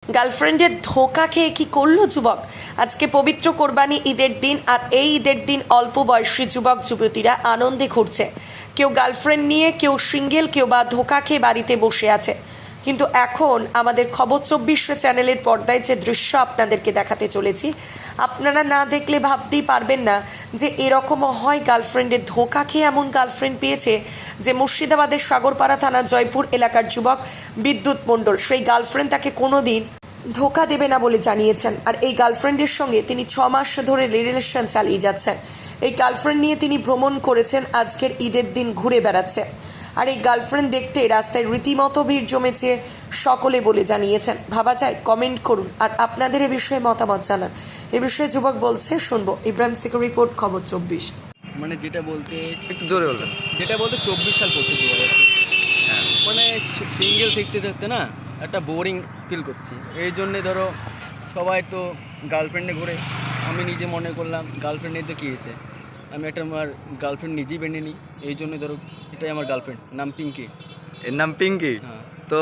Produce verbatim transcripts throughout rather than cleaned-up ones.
গার্লফ্রেন্ডের ধোঁকা খেয়ে কি করলো যুবক? আজকে পবিত্র কোরবানি ঈদের দিন, আর এই ঈদের দিন অল্প বয়সী যুবক যুবতীরা আনন্দে ঘুরছে। কেউ গার্লফ্রেন্ড নিয়ে, কেউ সিঙ্গেল, কেউ বা ধোঁকা খেয়ে বাড়িতে বসে আছে। কিন্তু এখন আমাদের খবর চব্বিশ চ্যানেলের পর্দায় যে দৃশ্য আপনাদেরকে দেখাতে চলেছি, আপনারা না দেখলে ভাবতেই পারবেন না যে এরকমও হয়। গার্লফ্রেন্ডের ধোঁকা খেয়ে এমন গার্লফ্রেন্ড পেয়েছে যে মুর্শিদাবাদের সাগরপাড়া থানার জয়পুর এলাকার যুবক বিদ্যুৎ মণ্ডল, সেই গার্লফ্রেন্ড তাকে কোনোদিন ধোঁকা দেবে না বলে জানিয়েছেন। আর এই গার্লফ্রেন্ডের সঙ্গে তিনি ছ মাস ধরে রিলেশন চালিয়ে যাচ্ছেন। এই গার্লফ্রেন্ড নিয়ে তিনি ভ্রমণ করেছেন, আজকের ঈদের দিন ঘুরে বেড়াচ্ছে। আর এই গার্লফ্রেন্ড দেখতে রাস্তায় রীতিমতো ভিড় জমেছে সকলে বলে জানিয়েছেন। ভাবা যায়? কমেন্ট করুন আর আপনাদের এ বিষয়ে মতামত জানান। এ বিষয়ে যুবক বলছে, শুনবো। ইব্রাহিম সিকর রিপোর্ট, খবর চব্বিশ। মানে যেটা বলতে একটু জোরে বলবেন। যেটা বলতে চব্বিশ সাল পড়তে দু হাজার হ্যাঁ মানে সিঙ্গেল থাকতে থাকতে না একটা বোরিং ফিল করছি। এই জন্যে ধরো সবাই তো গার্লফ্রেন্ডে ঘুরে, আমি নিজে মনে করলাম গার্লফ্রেন্ডে তো কী হয়েছে, আমি একটা আমার গার্লফ্রেন্ড নিজেই বেঁধে নিই। এই জন্য ধরো এটাই আমার গার্লফ্রেন্ড, নাম পিঙ্কি। এর নাম পিঙ্কি। হ্যাঁ। তো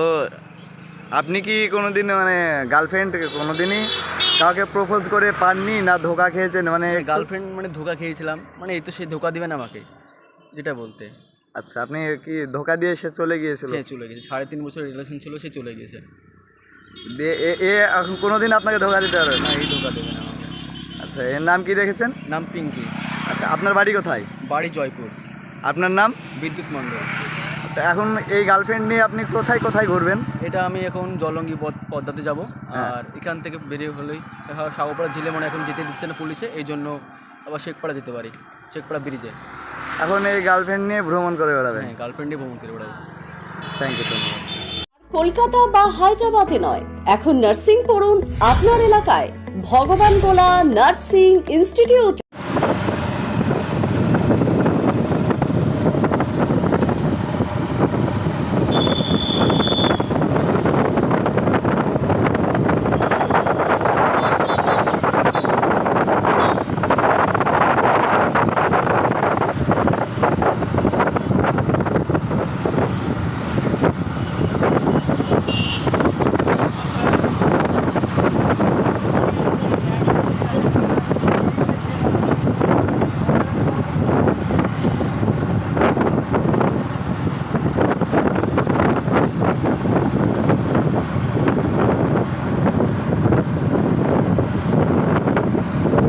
আপনি কি কোনোদিন মানে গার্লফ্রেন্ড কোনোদিনই কাউকে প্রপোজ করে পাননি, না ধোকা খেয়েছেন? মানে গার্লফ্রেন্ড মানে ধোকা খেয়েছিলাম, মানে এই তো সে ধোকা দিবে না আমাকে, যেটা বলতে। আচ্ছা, আপনি কি ধোকা দিয়ে সে চলে গিয়েছিল? সে চলে গেছে, সাড়ে তিন বছর রিলেশন ছিল, সে চলে গেছে। দিয়ে এ- এ এখন কোনোদিন আপনাকে ধোকা দিতে পারবে না? না, এই ধোকা দেবে না আমাকে। আচ্ছা, এর নাম কি রেখেছেন? নাম পিঙ্কি। আচ্ছা, আপনার বাড়ি কোথায়? বাড়ি জয়পুর। আপনার নাম? বিদ্যুৎ মণ্ডল। তো এখন এই গার্লফ্রেন্ড নিয়ে আপনি কোথায় কোথায় ঘুরবেন? এটা আমি এখন জলঙ্গি পদ- পদ্মাতে যাব। হ্যাঁ। আর এখান থেকে বেরিয়ে হলেই সাগরপাড়া ঝিলে মনে এখন যেতে দিচ্ছে না পুলিশে, এই জন্য আবার শেখপাড়া যেতে পারি, শেখপাড়া ব্রিজে। এখন এই গার্লফ্রেন্ড নিয়ে ভ্রমণ করে বেড়াবেন? হ্যাঁ, গার্লফ্রেন্ডে ভ্রমণ করে বেড়াবো। থ্যাংক ইউ, ধন্যবাদ। কলকাতা বা হায়দ্রাবাদে নয়, এখন নার্সিং পড়ুন আপনার এলাকায় ভগবান গোলা নার্সিং ইনস্টিটিউট।